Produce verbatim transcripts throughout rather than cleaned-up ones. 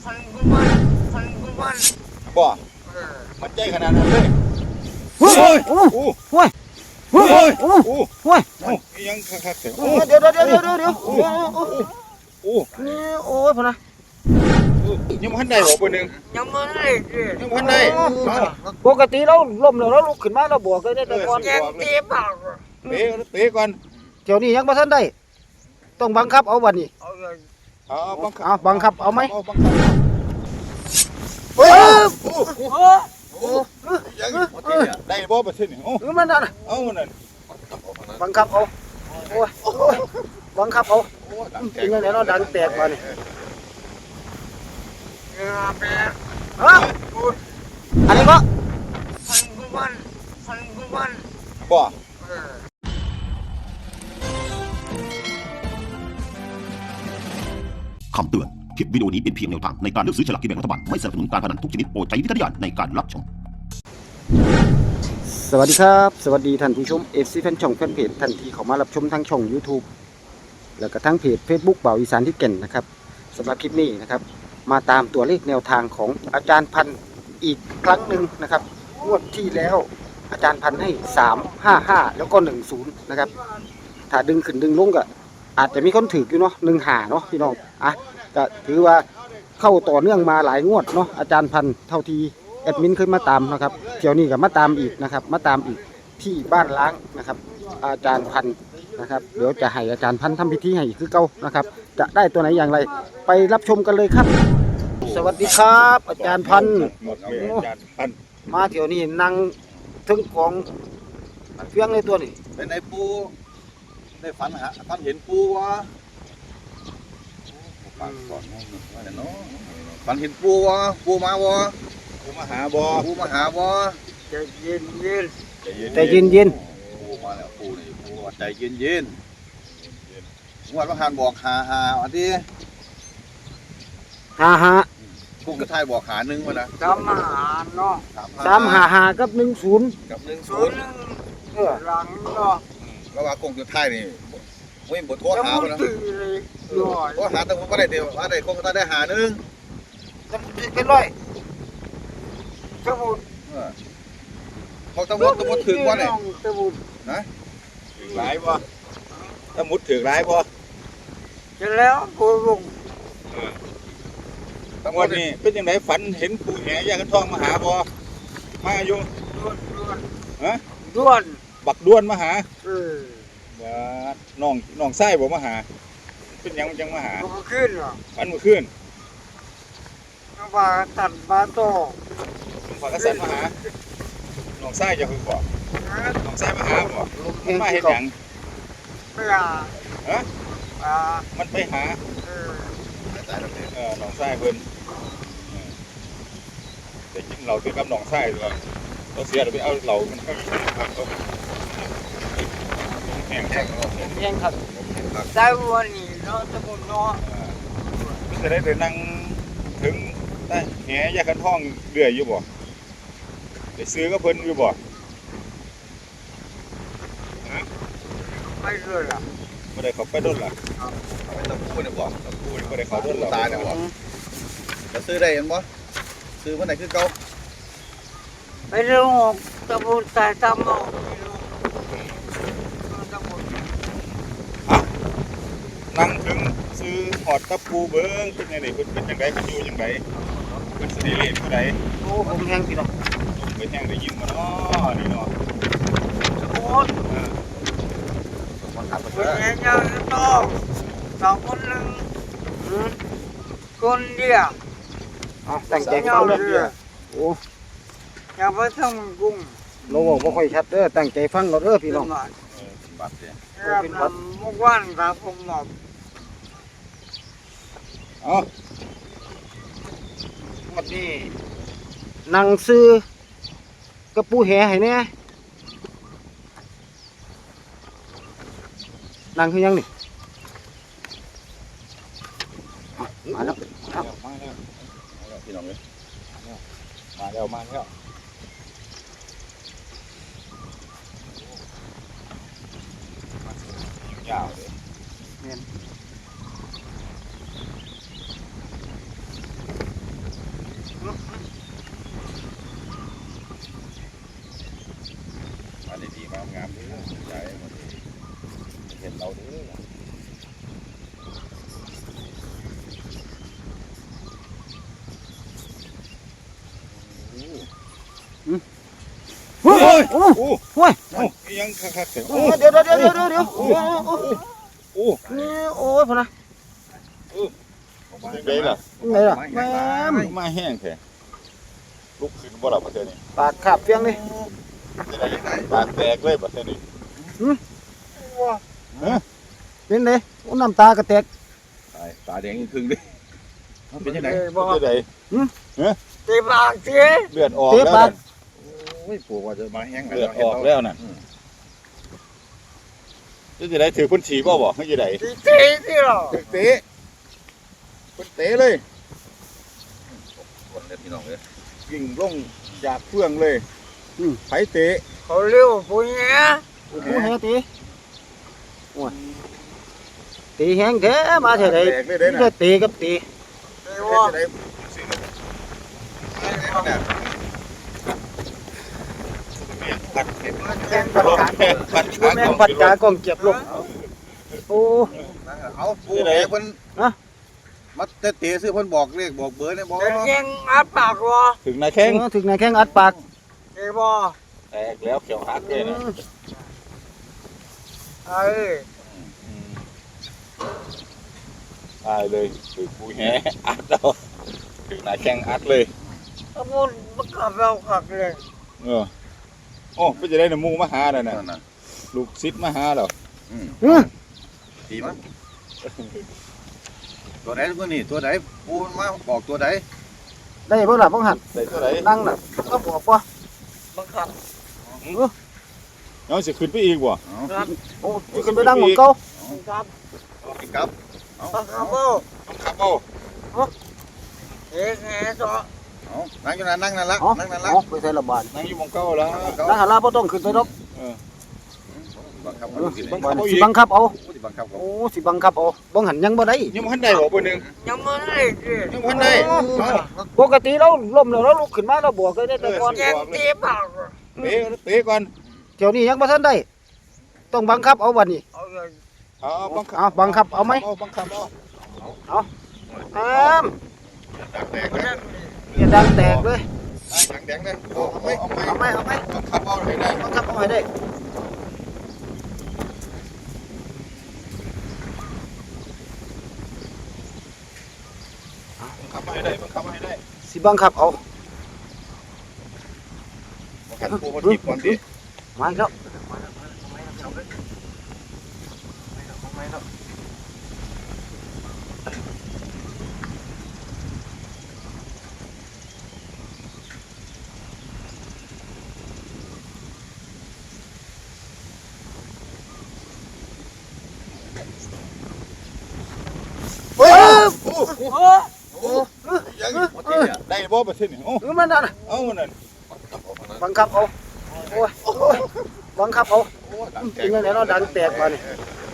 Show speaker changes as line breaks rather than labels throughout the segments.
พันกุมันพันกุมัน
บ่มันใจขนาดนั้นเลย
โอ้ยโอ้ยโอ้ยโอ้ยโอ้ยโอ้ยโอ้ย
ยังคักๆเถอะ
เดี๋ยวเดี๋ยวเดี๋ยวเดี๋ยวเดี๋ยวโอ้
โอ้
โอ้ยพอนะ
ยังพันได้บ่คนหนึ่ง
ยังไม่ได้
ยังพันได้
ปกติเราล้มแล้วเราลุกขึ้นมาเราบวกเลยได้แต่ก่อน
แกงเตะเปล่า
เตะเตะก่อน
เดี๋ยวนี้ยังไม่ทันได้ต้องบังคับเอาวันนี้
เอาบังคับ
เอาบังคับเอาไหม
โอ้โหยังได้บ่ประเทศนี่โอ้
มันนั่น
เอานั่น
บังคับเอาโอ้ยบังคับเอาเป็นยังไงเราดังแตกมาเนี่ยฮะอันนี้ก็
พันกุมันพันกุมัน
บ่
คำเตือน คลิปวิดีโอนี้เป็นเพียงแนวทางในการเลือกซื้อฉลากกินแบ่งรัฐบาล ไม่สนับสนุนการพนันทุกชนิดโปรดใช้วิจารณญาณในการรับชม
สวัสดีครับสวัสดีท่านผู้ชมเอฟซีแฟนช่องแฟนเพจท่านที่เข้ามารับชมทางช่อง YouTube แล้วก็ทั้งเพจ Facebook เบาอีสานที่เก่นนะครับสำหรับคลิปนี้นะครับมาตามตัวเลขแนวทางของอาจารย์พันธ์อีกครั้งหนึ่งนะครับงวดที่แล้วอาจารย์พันธ์ให้สาม ห้า ห้าแล้วก็หนึ่งศูนย์นะครับถ้าดึงขึ้นดึงลงก็อาจจะมีคนถืออยู่เนาะหนึ่งหาเนาะพี่น้องอ่ะก็ถือว่าเข้าต่อเนื่องมาหลายงวดเนาะอาจารย์พันธ์เท่าที่แอดมินเคยมาตามนะครับเที่ยวนี้ก็มาตามอีกนะครับมาตามอีกที่บ้านล้างนะครับอาจารย์พันธ์นะครับเดี๋ยวจะให้อาจารย์พันธ์ทำพิธีให้คือเก่านะครับจะได้ตัวไหนอย่างไรไปรับชมกันเลยครับสวัสดีครับอาจารย์พันธ์มาเที่ยวนี้นั่งถึงของเฟี้ยงในตัวนี่
เป็นไอ้ปูได้ฝันหาฝันเห็นปูวะฝันก่อนว่าเนาะฝันเห็นปูวะปูมาวะปูมาหาบ่ปูมาหาบ่
ใจเย็นเย็น
ใจเย็นเย็น
ปูมาแล้วปูนี่ปูใจเย็นเย็นงวดว่าหานบอกหาหาอันที่
หาหา
ปูกระทายบอกหาหนึ่งมานะ
สามหาเนาะ
สามหาหากับหนึ่งศูนย์
กับหนึ่งศู
นย์เออหลังเนาะ
แล้วว่ากงกระทายนี่ไม่บทโทษหาไปนะโทษหาแต่ผมก็ได้เดียวว่าได้คงก็ได้หาหนึ่ง
จะเป็นร้อย
สมุด
เขาตะมุดตะมุดถึงว่าเนี่ยนะถึงร้ายป่ะตะมุดถึงร้ายป่ะ
จะแล้วปูลุง
ตะมุดนี่เป็นยังไงฝันเห็นปูแห่ยากันทองมาหาป่ะมาอยู่ฮะ
ด้วน
บักด้วนมาหา
เออ
ว่าน้องน้องไส้บอกมาหาเป็นยังจังมาหา
มันขึ้นเหรอ
อันมันขึ้น
มาตัดมาโต
ขอกระสันมาหาน้องไส้จะคือบอกน้องไส้มาหาบอกมาเห็นยัง
ไม่หา
ฮะมันไปหาเออน้องไส้เพิ่นแต่จริงเราคือกับน้องไส้ด้วยเราเสียเราไปเอาเรามันก็แห้งแห้ง
แห้งครับ
ได้วันนี้เนาะสมุนเนาะ
มันจะได้ไปนั่งถึงได้แหยากันท่องเรื่อยอยู่บ่ไปซื้อก็เพิ่นอยู่บ่
ไม่เรื่อยล่ะ
ไม่ได้เขาไปด้นล่ะไปตะปูเนี่ยบ่ตะปูไม่ได้เขาด้นตายเนี่ยบ่จะซื้อได้ยังบ่ซื้อวันไหนคือเก่า
ไปเรื่องตะปูตายตามเอา
นั่งถึงซื้อหอดตะปูเบิ้งเป็นยังไงเป็นเป็นยังไงเป็นอยู่ยังไงเป็นสติเลสผู้ใด
โอ้ผมแห้งพี่น้อง
เป็นแห้งได้ยินมาเนาะนี่เนาะ
โอ้ยเป็นยังไงต่อสองคนหนึ่งคนเดียว
อ๋อแต่งใจฟังเด้อโอ้
อย่าไปทำกุ้ง
เราบอกว่าค่อยชัดเด้อตั้งใจฟังเราเด้อพี่น้อง
บัดเนี่ย
เป็นบัดมุกวันครับผมบอก
อ๋อ
วันนี้นั่งซื้อกระปูแห่ให้เนี่ยนั่งคือยังนี่มาแล้ว
มาแล้วพี่น้องเลยมาแล้วมาแล้วยาวเลย
เนี่ยเฮ้ยโอ้
โอ้
โห้ย
โอ้ยังคักๆเถอะ
โอ้เดี๋ยวเดี๋ยวเดี๋ยวเดี๋ยวเดี๋ยวโอ้โอ้
โอ้
นี่โอ้ยพอนะ
ยังไงล่ะ
ไงล่ะแม่ม
มาแห้งแท้ลุกขึ้นบ่ล่ะประเทศนี้
ปาดขาบเฟียงนี่
จะได้ยังไงปากแตกเลยประเทศนี้
เป็นไงโอ้น้ำตากระแตก
ตายตาแดงอีกครึ่งดิเป็นยังไง
บ่
เป็นยังไง
ตีปากสิ
เลือดออกแล้วนั่นโอ้ยปู่ว่าจะมาแห้งเลือดออกแล้วนั่นจะได้ถือพุ่นฉีบ่บ่ให้จะได้
ตีตีสิหรอ
เตะพุ่นเตะเลยคนเลยพี่น้องเลยยิงลงจากเฟื่องเลยไผเตะ
เขาเรียกว่าปุญญา
โอ้โหแฮตีโอ้ยตีแห้งแท้มาเท่าไหร่
แตกเลยเด้
จะ
น่ะ
ตีกับตี
ตีว่า
จะได้สิเนี่ยพัดเห็ด
มันเป็นประกาศ
พัด
แม่งพัดกากองเจ็บลงโอ้
เอาปูแหเพิ่นมาเตะซื้อเพิ่นบอกเลขบอกเบอร์เนี่ยบอก
เป็นยังอัดปากวะ
ถึงนายแข้ง
ถึงนายแข้งอัดปาก
ตีว่า
แตกแล้วเขียวหักเลยนะ
เอ้ย
ตายเลยถึงปูแหอัดเราถึงนายแข้งอัดเลย
ขมุนมันขับเราขับเลย
เออโอ้ไม่จะได้น้ำมูมาหาแล้วนะลูกซิดมาหาแล้ว
อือ
ดีมั้ยตัวไหนตัวนี้ตัวไหนปูมันมาบอกตัวไหน
ได้เบิ่งล่ะบ่หัน
ได้ตัวไหน
นั่งน่ะก็บอกว่า
มันขับ
น้องสิขึ้นไปอีกบ่
ครับ
โอ้ยขึ้นไปนั่งหมองเก่า
มันขับ
ครับ
มันขับเอา
ครับเอา
เอ๊ะแง่ต่อ
นั่งอยู่นั่นนั่งนั่นละ
อ๋อ
นั่งนั่นละ
อ๋อไปใส่ระบาด
นั่งอยู่มองเก้าแล้ว
นั่งหันหน้าบ่ต้องขึ้นไปดอก
บังคับ
เออ
บั
บั
ง
ง
คับ
สิบังคับเอา
บังคับ
โอ้สิบังคับเอาบ่หันยังบ่ได้
ยังมันได้บ่เบอร์หนึ่ง
ยังไม่ได้สิ
ยังมันได้
ปกติเราล้มแล้วเราลุกขึ้นมาเราบวกได้แต่ก่อน
ยังตีปาก
เตะเตะก่อน
เดี๋ยวนี้ยังบ่ทันได้ ต้องบังคับเอาบัดนี้
เอาเลย
เอาบังคับ
เอาบังคับเอาไหม
เอาบังคับเอา
ตาม
แตก
มัน
เลย
ยัง
อย่าดังแตกเลย
ดังแดงเลยเอาไหมเอาไหม
เอาไหมเอาไหม
บังคับเอาให้ได้
บังคับเอาให้ได้
บังคับให้ได้บังคับให้ได้
สิบังคับเอา
บังคับปูมันจีบก่อนดิ
มาอีกแล้วเฮ้ย
โอ้โห
โอ้
ยังได้บ่ประเทศนี่โอ้
เออมันนั่นน่ะ
เอานั่น
บังคับเอาโอ้ยโอ้ยบังคับเอา
ดังแต
จริ
ก
งๆแล้วเราดังแตกมานี่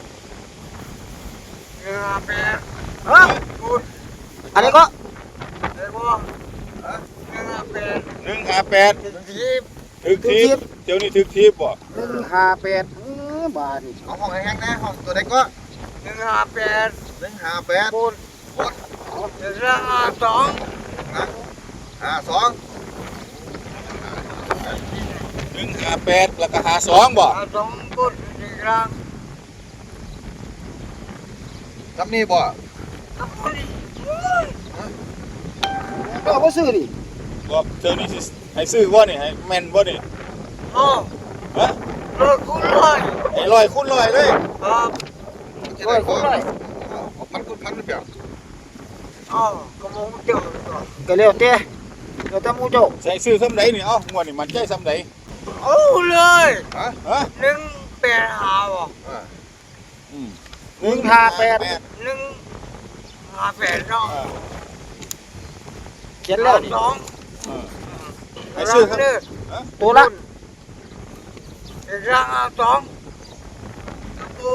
เงาแปะ
ฮะอันนี้ก็
เรียกว่าเงาแปะ
หนึ่งห้าแปด
ทีบ
ถึกทีบเดี๋ยวนี้ถึกทีบบ่
หนึ่งห้าแปดอื้อบาทนี่
เอาห้องแห้งๆนะห้องตัวใดก็
เงาแปะ
หนึ่งห้าแปด
ปูนเรื่องสอง
ห้าสองหนึ่งห้าแปดแล้วก็ห้าสองบ่
สองปูนอีกครั้ง
จำนี่บ่
ก็เอาบ่ซื้อดิ
บ่เจ้านี่สิให้ซื้อบ่นี่ให้แม่นบ่นี่
โอ้
ฮะ
รถคุณเลย
ให้ร้อยคูณร้อยเลย
ครับ
ร้อยคนร้อย
มันคูณพันหรือเปล่า
อ๋อกระมงเจ้าตัว
ก็แล้วแต่แล้วแต่หมู่เจ้า
ใส่ซื้อซ้ำใดนี่เอ้างวดนี่มันใจซ้ำใด
เอาเลย
ฮะฮะ
หนึ่งแปดหาบ่
อืม
หนึ่งห้าแปด
หนึ่งห้าแปดเนาะ
เขียนแล้วนี่
สอง
ให้ซื้อครับ
ตัวละ
อีกครั้งสองปู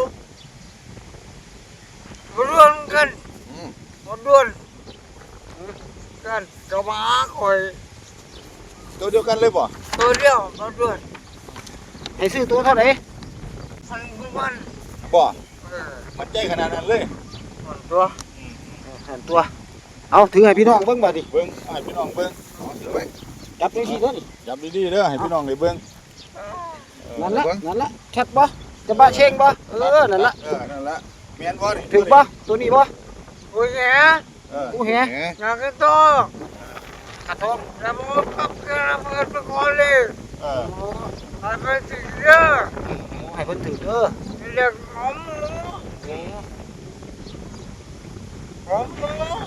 มาด้วนกัน
อืม
มาด้วนกันกระมาคอย
ตัวเดียวกันเลยบ่
ตัวเดียวมาด้วน
ให้ซื้อตัวเท่าไหร่
พันกุมัน
บ่
เออ
มันใจขนาดนั้นเลย
มันตัว
หันตัว เอาถือให้พี่น้องเบิ่งบัดนี้
เบิ่งให้พี่น้องเบิ่งเอาถือไว้
แจับจังซี่เด้อนี่
จับดีๆเด้อให้พี่น้องได้เบิ่งเออ
นั่นละ
เบิ่ง
นั่นละแคทบ่จะบะเชงบ่เออนั่นละ
เออนั่นละแม่นบ่นี่
ถึงบ่ตัวนี้บ่
โอ้ยแห
เออ
กูแห
อยากกินตัว
ขัดทอง
แล้วมันก็ขับกระเบิดไปก่อนเลย
เออ
ให้ไปถึงเยอะ
ให้เพิ่นถือเด้อ
เรียกหอมหมูหอมหมู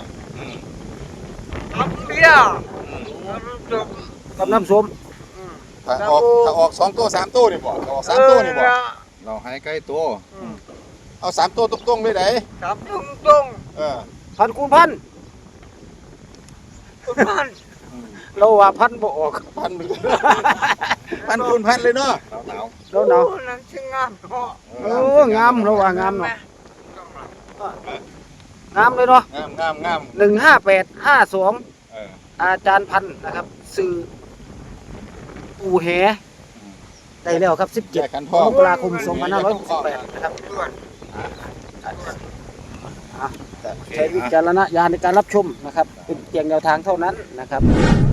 ทำเบี้ยแล้วมันจบ
กับน้ำส้ม
ถ้าออกถ้าออกสองตัวสามตัวนี่บ่ถ้าออกสามตัวนี่บ่เราให้ใกล้ตัวเอาสามตัวตรงๆเลยได้
จับตรงตรง
เออ
พันคูณพัน
คุณพัน
เราว่าพันบ่ออก
พันหนึ่งพันคูณพันเลยเนาะหนาว
เราหนาว
นังชิงงามเนาะ
ๆ
เอองามเราว่างามเนาะงามเลยเนาะ
งามงามงาม
หนึ่งห้าแปดห้าสอง
เออ
อาจารย์พันธุ์นะครับสื่ออูแหได้แล้วครับสิบ
แจ
เจ็ด
กกัน
ม
พ่อก
ราคมสองพันห้าร้อยหกสิบแปดนะครับ
ด่วน
ใช้วิจารณญาณในการรับชมนะครับ เป็นเพียงแนวทางเท่านั้นนะครับ